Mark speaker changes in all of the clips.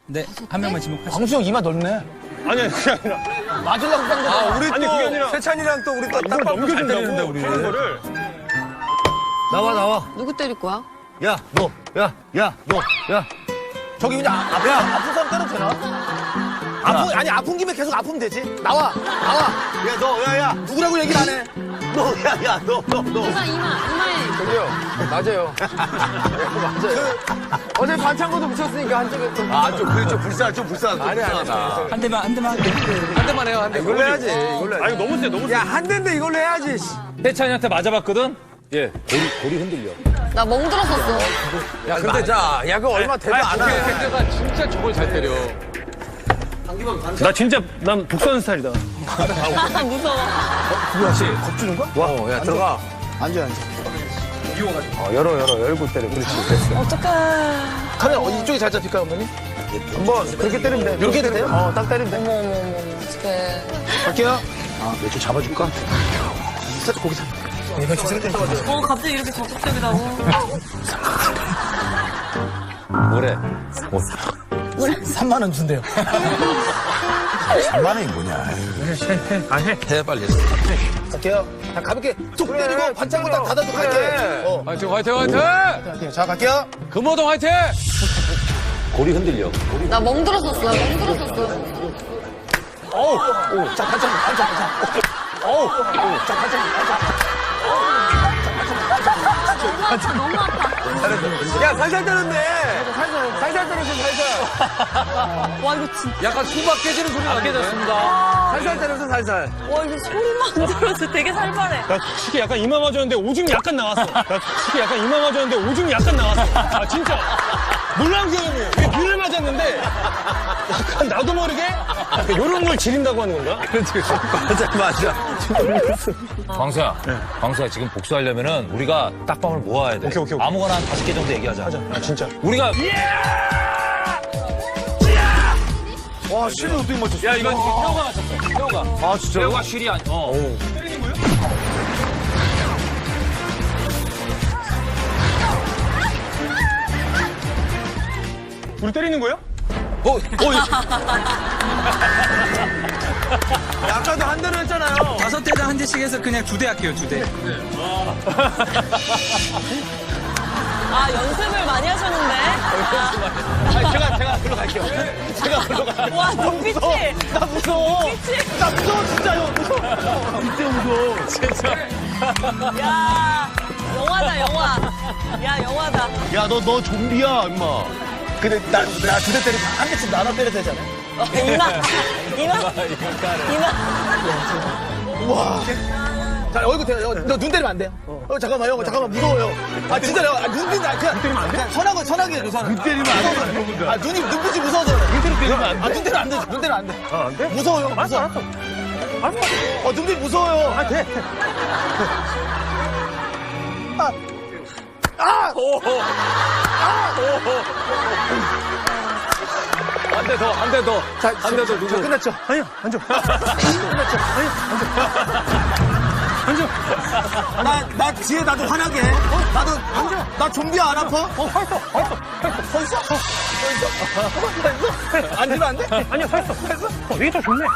Speaker 1: 네, 한 명만 지목하시죠.
Speaker 2: 광수 형 이마 넓네.
Speaker 3: 아니 그게 아니라.
Speaker 2: 맞으려고 딴 거.
Speaker 3: 아, 우리
Speaker 4: 아니
Speaker 3: 또
Speaker 4: 그게 아니라
Speaker 3: 세찬이랑 또 우리 또
Speaker 4: 이걸 넘겨준다고 우리.
Speaker 3: 거를.
Speaker 4: 나와.
Speaker 5: 누구 때릴 거야?
Speaker 4: 야, 너. 야.
Speaker 2: 저기 그냥 아픈 사람 때려도 되나? 아니 아픈 김에 계속 아프면 되지. 나와.
Speaker 4: 야, 너. 야.
Speaker 2: 누구라고 얘기를 안 해.
Speaker 4: 너. 야, 너.
Speaker 5: 이마에.
Speaker 6: 저기요. 맞아요. 맞아요. 어제 반창고도 붙였으니까 한쪽에 또.
Speaker 4: 아, 좀 불쌍하다.
Speaker 6: 아니야.
Speaker 1: 한 대만.
Speaker 6: 한 대만 해요, 한 대.
Speaker 4: 이걸로 해야지. 이걸로 해야지.
Speaker 3: 아 이거 너무 세 너무 세.
Speaker 4: 야, 한 대인데 이걸로 해야지.
Speaker 7: 세찬이한테 맞아봤거든? 예, 고리 흔들려.
Speaker 5: 나 멍들었었어.
Speaker 4: 야, 근데 자, 야, 그거 얼마 되도 안 해.
Speaker 6: 가 진짜 저걸 잘 때려.
Speaker 3: 나 진짜 난 복수하는 스타일이다.
Speaker 5: 무서워.
Speaker 4: 야, 들어가.
Speaker 2: 앉아.
Speaker 4: 열고 때려. 그렇지. 됐어.
Speaker 5: 어떡해.
Speaker 2: 카메라 이쪽이 잘 잡힐까 어머니?
Speaker 4: 한번 그렇게 때리면 돼.
Speaker 2: 이렇게 해도 돼요?
Speaker 4: 딱 때리면 돼.
Speaker 5: 어머. 어떡해.
Speaker 2: 갈게요. 내좀 잡아줄까? 살짝 고기 잡.
Speaker 5: 갑자기 이렇게 적극적이라고.
Speaker 7: 뭐래?
Speaker 2: 3만 원 준대요.
Speaker 4: 3만 원이 뭐냐.
Speaker 7: 해, 빨리.
Speaker 2: 갈게요. 자, 가볍게 툭 때리고 반창고 딱 닫아주고 갈게.
Speaker 6: 화이팅, 화이팅!
Speaker 2: 갈게요. 자, 갈게요.
Speaker 6: 금호동 화이팅!
Speaker 7: 고리 흔들려.
Speaker 5: 나 멍들었었어.
Speaker 2: 자, 반창고. 자, 반창고.
Speaker 5: 너무 아파.
Speaker 4: 야, 살살 때렸네. 살살 때렸어, 살살.
Speaker 5: 와, 이거 진짜.
Speaker 6: 약간 수박 깨지는 소리 안 깨졌습니다.
Speaker 4: 살살 때렸어, 살살.
Speaker 5: 와, 이거 소리만 들어도 되게 살벌해.
Speaker 3: 나 솔직히 약간 이마 맞았는데 오줌이 약간 나왔어. 아 진짜. 놀라운 경험이에요. 이게 비를 맞았는데 약간 나도 모르게 이런 걸 지린다고 하는 건가?
Speaker 4: 맞아.
Speaker 7: 광수야, 지금 복수하려면은 우리가 딱밤을 모아야 돼.
Speaker 3: 오케이.
Speaker 7: 아무거나 한 5개 정도 얘기하자.
Speaker 3: 아 진짜.
Speaker 7: 우리가,
Speaker 4: 와, 실을 어떻게 맞췄어?
Speaker 7: 야, 이건 태호가 맞췄어. 태호가.
Speaker 4: 아, 진짜.
Speaker 7: 태호가 쉴이 아니,
Speaker 3: 우리 때리는 거예요?
Speaker 4: 아까도 한 대로 했잖아요.
Speaker 1: 5대당 한 대씩 해서 그냥 2대 할게요, 2대.
Speaker 5: 아, 연습을 많이 하셨는데?
Speaker 2: 제가 글로 갈게요.
Speaker 5: 와, 눈빛이.
Speaker 2: 나 무서워.
Speaker 5: 눈빛이.
Speaker 2: 나 무서워, 진짜 형. 무서워.
Speaker 5: 진짜. 야, 영화다, 영화. 야, 영화다.
Speaker 4: 야, 너 좀비야, 임마.
Speaker 2: 근데 나 2대 때리고 한 대씩 나눠 때려도 되잖아.
Speaker 5: 이마.
Speaker 2: 우와. 자, 얼굴 대요. 너눈 때리면 안 돼요. 잠깐만요. 잠깐만, 무서워요. 아, 진짜요. 눈 때리면 안 돼. 눈 때리면 안 돼? 선하게 해줘, 선하게. 눈 때리면 안 돼. 아, 눈빛이 무서워서 그래. 눈 때리면 안 돼. 눈 때리면 안 돼. 눈 때리면 안 돼.
Speaker 3: 안 돼?
Speaker 2: 무서워요. 무서워. 알았어. 눈빛 무서워요. 아, 돼.
Speaker 6: 한 대 더, 한 대 더.
Speaker 2: 자,
Speaker 6: 한 대 더, 누구?
Speaker 2: 끝났죠?
Speaker 3: 아니야 앉아.
Speaker 2: 나 뒤에 나도 화나게 해. 나도, 나 좀비야, 안 아파? 서 있어? 앉으면 안 돼?
Speaker 3: 아니야 서 있어. 이게 더 좋네.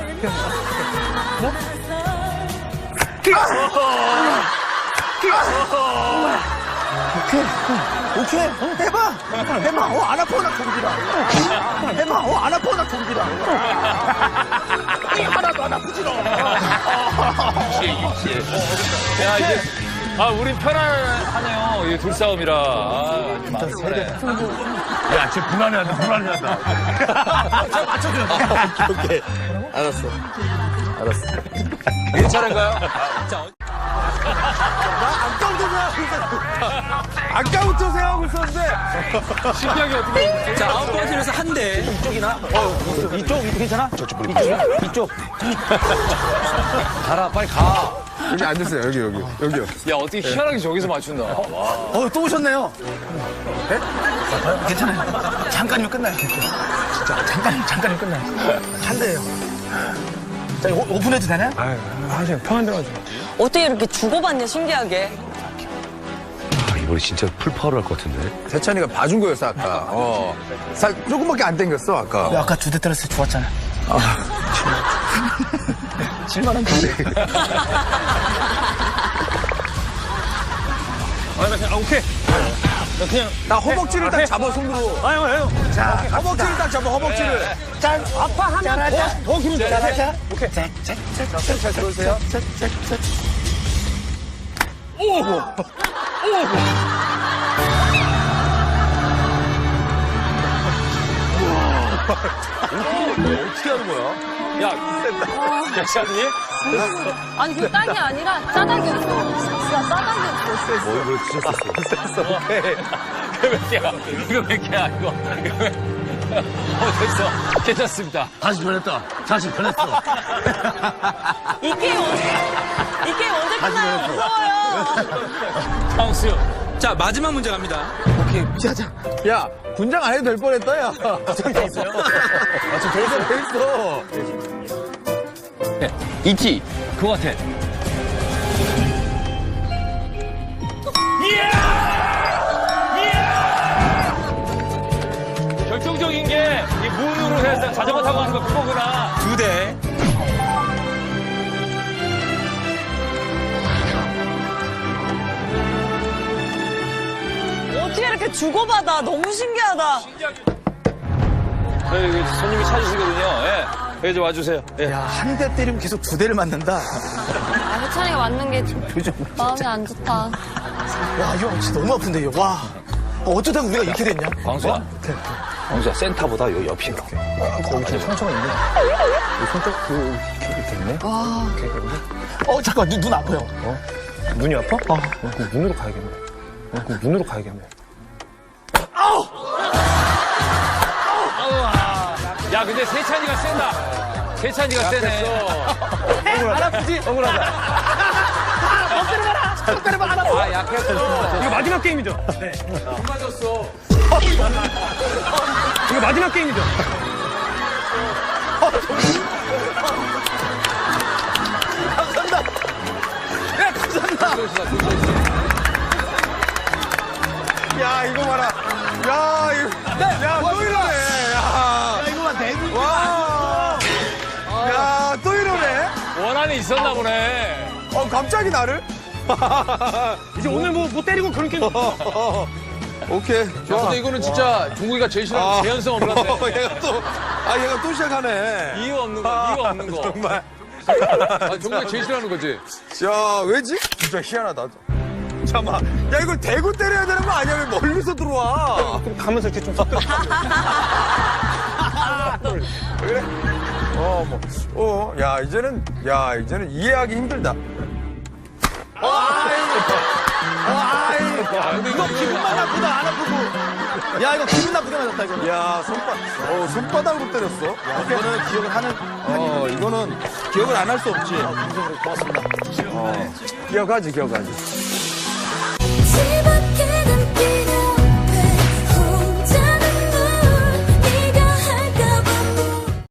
Speaker 2: 오케이. 해봐. 안 아파, 나 좀비다. 해봐. 안 아파, 나 좀비다. 하나도 안 아프지, 너.
Speaker 7: 야, 이제, 우린 편안하네요. 이 둘싸움이라. 아주 편해.
Speaker 4: 야, 쟤 불안해한다.
Speaker 2: 오케이. 알았어.
Speaker 7: 괜찮은가요?
Speaker 4: 아까부터 생각하고 있었는데.
Speaker 6: 신기하게 어떻게.
Speaker 1: 자, 9번째로서 한 대.
Speaker 2: 이쪽 괜찮아? 이쪽.
Speaker 7: 가라, 빨리 가.
Speaker 4: 여기 앉으세요, 여기요.
Speaker 6: 야, 어떻게 희한하게 저기서 맞춘다.
Speaker 2: 또 오셨네요. 네? 괜찮아요. 잠깐이면 끝나요. 진짜 잠깐이면 끝나요. 한 대예요. 자, 이거 오픈해도 되나요?
Speaker 3: 그냥 편한 대로 하자.
Speaker 5: 어떻게 이렇게 주고받냐, 신기하게.
Speaker 8: 머리 진짜 풀파워를 할 것 같은데.
Speaker 6: 세찬이가 봐준 거였어, 아까. 살 조금밖에 안 땡겼어, 아까.
Speaker 2: 아까 2대 때렸을 때 좋았잖아. 7만 원 주네.
Speaker 3: 오케이.
Speaker 6: 나 허벅지를 딱 잡아, 손으로. 자, 허벅지를 딱 잡아, 허벅지를. 짠. 아파하면 더 기분 좋아.
Speaker 2: 잘하자.
Speaker 6: 오케이. 잘 들어오세요.
Speaker 8: 어떻게 하는 거야?
Speaker 7: 야, 괜찮니?
Speaker 5: 아니, 그 땅이 아니라 짜닥이었어. 진짜 짜닥이었어.
Speaker 8: 머리 머리 찢었었어.
Speaker 7: 이거 몇 개야? 이거 몇 개야, 이거. 됐어. 괜찮습니다.
Speaker 8: 다시 변했다. 다시 변했어.
Speaker 5: 이 게임 언제 끝나요? 무서워요.
Speaker 7: 황수.
Speaker 1: 자, 마지막 문제 갑니다.
Speaker 6: 야, 군장 안 해도 될 뻔했다, 야. 군장 됐어요? 됐어.
Speaker 7: 있지? 그거 같아. 결정적인 게 이 문으로 해서 자전거 타고 가는 거 그거구나.
Speaker 1: 2대.
Speaker 5: 어떻게 이렇게 주고받아. 너무 신기하다.
Speaker 7: 여기 손님이 찾으시거든요. 예. 여기 좀 와주세요. 예.
Speaker 2: 야, 한 대 때리면 계속 2대를 맞는다.
Speaker 5: 아, 해찬이가 맞는 게 마음이 안 좋다.
Speaker 2: 와, 이거 진짜 너무 아픈데, 이거. 와. 어쩌다가 우리가 이렇게 됐냐?
Speaker 7: 광수야. 광수야, 센터보다 여기 옆이 이렇게.
Speaker 2: 잠깐, 눈 아파요.
Speaker 3: 눈이 아파? 그럼 문으로 가야겠네. 문으로 가야겠네.
Speaker 7: 야, 근데 세찬이가 센다. 세찬이가 세네.
Speaker 2: 안 아프지? 억울하다.
Speaker 7: 아, 약했어.
Speaker 3: 이거 마지막 게임이죠? 네. 안 맞았어. 이거 마지막 게임이죠?
Speaker 6: 야, 이거 봐라. 야, 이거. 야, 또 이러네. 야,
Speaker 2: 이거 봐, 내눈.
Speaker 6: 와. 야, 또 이러네.
Speaker 7: 원한이 있었나 보네.
Speaker 6: 갑자기 나를?
Speaker 3: 이제 오늘 뭐 때리고 그런 게임.
Speaker 6: 오케이. 좋아.
Speaker 8: 근데 이거는 진짜 종국이가 제일 싫어하는
Speaker 7: 재현성 없는데.
Speaker 6: 얘가 또 시작하네.
Speaker 7: 이유 없는 거, 이유 없는 거.
Speaker 6: 정말.
Speaker 8: 종국이가 제일 싫어하는 거지.
Speaker 6: 야, 왜지? 진짜 희한하다. 잠깐만. 야, 이걸 대고 때려야 되는 거 아니야? 왜 멀리서 들어와?
Speaker 3: 가면서 이렇게 좀 섞여.
Speaker 6: 그래? 야, 이제는 이해하기 힘들다.
Speaker 2: 이거 기분만 나쁘다, 안 아프고. 야, 이거 기분 나쁘게 맞았다, 이거.
Speaker 6: 야, 손바닥으로 때렸어.
Speaker 2: 이거는 기억을 하는.
Speaker 6: 이거는 기억을 안 할 수 없지.
Speaker 2: 고맙습니다.
Speaker 6: 기억하지.
Speaker 9: 집에